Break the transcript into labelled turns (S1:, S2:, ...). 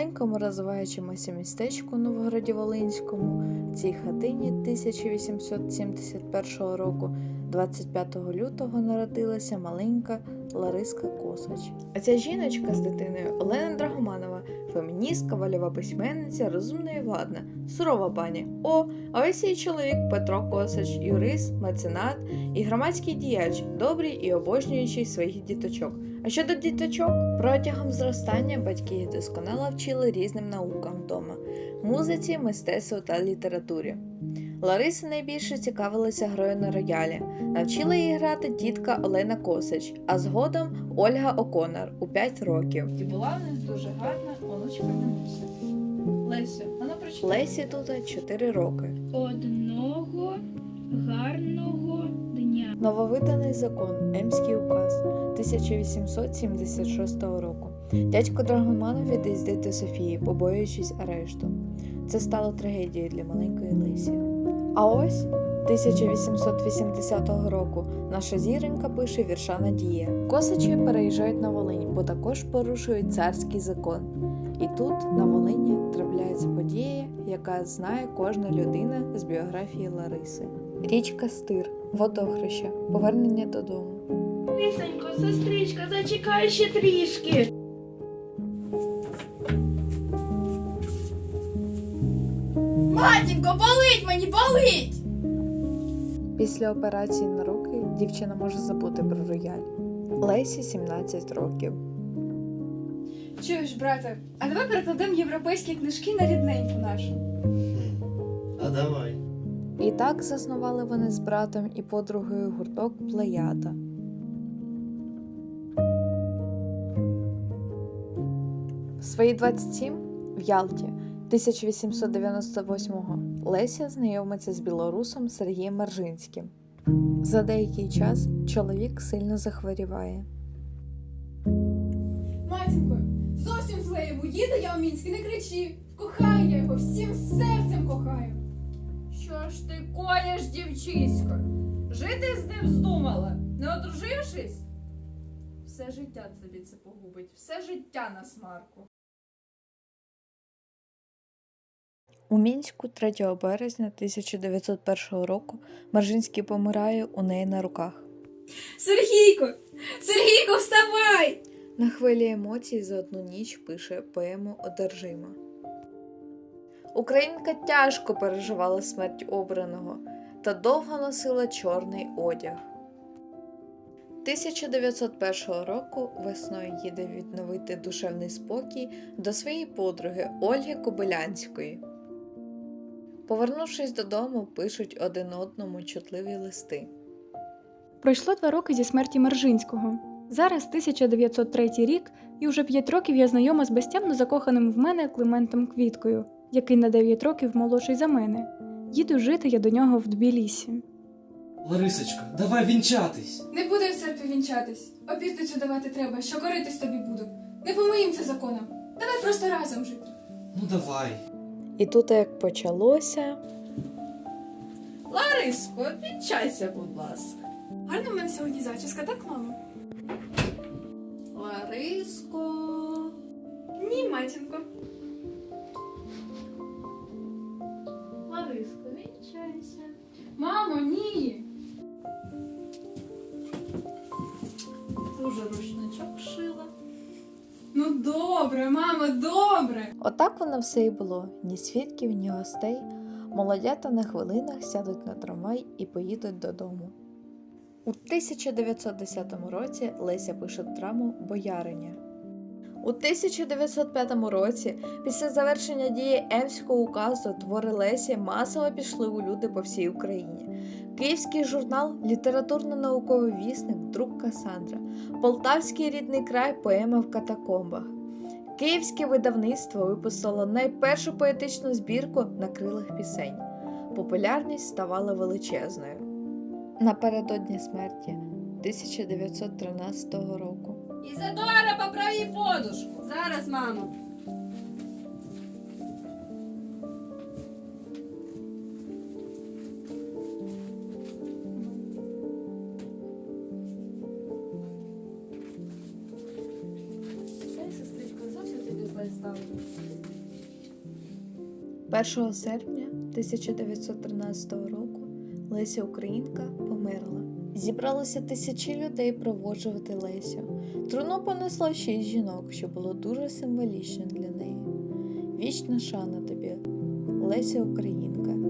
S1: маленькому розвиваючомуся містечку Новограді-Волинському, в цій хатині 1871 року, 25 лютого народилася маленька Лариска Косач. А ця жіночка з дитиною Олена Драгоманова, феміністка, вольова письменниця, розумна і владна, сурова пані. А ось її чоловік Петро Косач, юрист, меценат і громадський діяч, добрий і обожнюючий своїх діточок. А щодо діточок, протягом зростання батьки їх досконало вчили різним наукам вдома – музиці, мистецтву та літературі. Лариса найбільше цікавилася грою на роялі. Навчила її грати тітка Олена Косач, а згодом Ольга Оконор у 5 років.
S2: І була в них дуже гарна онучка Дануся. Лесю, вона прочитала.
S1: Лесі тут 4 роки.
S3: Одного гарного дня.
S1: Нововиданий закон, Емський указ 1876 року. Дядько Драгоманов від'їздить до Софії, побоюючись арешту. Це стало трагедією для маленької Лесі. А ось 1880 року наша зіронька пише вірша Надія. Косачі переїжджають на Волинь, бо також порушують царський закон. І тут, на Волині, трапляється подія, яка знає кожна людина з біографії Лариси. Річка Стир, водохреща, повернення додому.
S3: Лисенько, сестричка, зачекай ще трішки. Матінко, болить мені, болить!
S1: Після операції на руки дівчина може забути про рояль. Лесі 17 років.
S4: Чуєш, брате, а давай перекладемо європейські книжки на рідненьку нашу.
S5: А давай.
S1: І так заснували вони з братом і подругою гурток «Плеяда». В свої 27 в Ялті 1898-го Леся знайомиться з білорусом Сергієм Маржинським. За деякий час чоловік сильно захворіває.
S6: Матінко, зовсім зле йому, їде я у Мінськ, не кричи. Кохаю я його, всім серцем кохаю.
S2: Що ж ти коїш, дівчисько? Жити з ним здумала, не одружившись? Все життя тобі це погубить, все життя на смарку.
S1: У Мінську 3 березня 1901 року Маржинський помирає у неї на руках.
S4: Сергійко! Сергійко, вставай!
S1: На хвилі емоцій за одну ніч пише поему «Одержима». Українка тяжко переживала смерть обраного та довго носила чорний одяг. 1901 року весною їде відновити душевний спокій до своєї подруги Ольги Кобилянської. Повернувшись додому, пишуть один одному чутливі листи.
S7: Пройшло 2 роки зі смерті Маржинського. Зараз 1903 рік, і вже 5 років я знайома з безтямно закоханим в мене Климентом Квіткою, який на 9 років молодший за мене. Їду жити я до нього в Тбілісі.
S8: Ларисочка, давай вінчатись.
S6: Не будемо в церкві вінчатись. Обітницю давати треба, що коритись тобі буду. Не по моїм це законам. Давай просто разом жити.
S8: Ну давай.
S1: І тут як почалося...
S2: Лариско, вінчайся, будь ласка.
S6: Гарна в мене сьогодні зачіска, так, мамо?
S2: Лариско.
S6: Ні, матінко.
S2: Лариско, вінчайся.
S6: Мамо, ні.
S2: Дуже рушничок шила.
S6: Ну добре, мамо, добре.
S1: Отак воно все і було. Ні свідків, ні гостей. Молодята на хвилинах сядуть на трамвай і поїдуть додому. У 1910 році Леся пише драму «Бояриня». У 1905 році, після завершення дії Емського указу, твори Лесі масово пішли у люди по всій Україні. Київський журнал «Літературно-науковий вісник», друк Касандра, Полтавський рідний край, поема «В катакомбах». Київське видавництво випустило найпершу поетичну збірку «На крилах пісень». Популярність ставала величезною. Напередодні смерті 1913 року.
S2: Ізадора, поправ їй подушку.
S4: Зараз, мамо.
S2: Дай, сестричко, зовсім тобі дорослою стала.
S1: 1 серпня 1913 року Леся Українка померла. Зібралося тисячі людей проводжувати Лесю. Труну понесло 6 жінок, що було дуже символічно для неї. Вічна шана тобі, Леся Українка.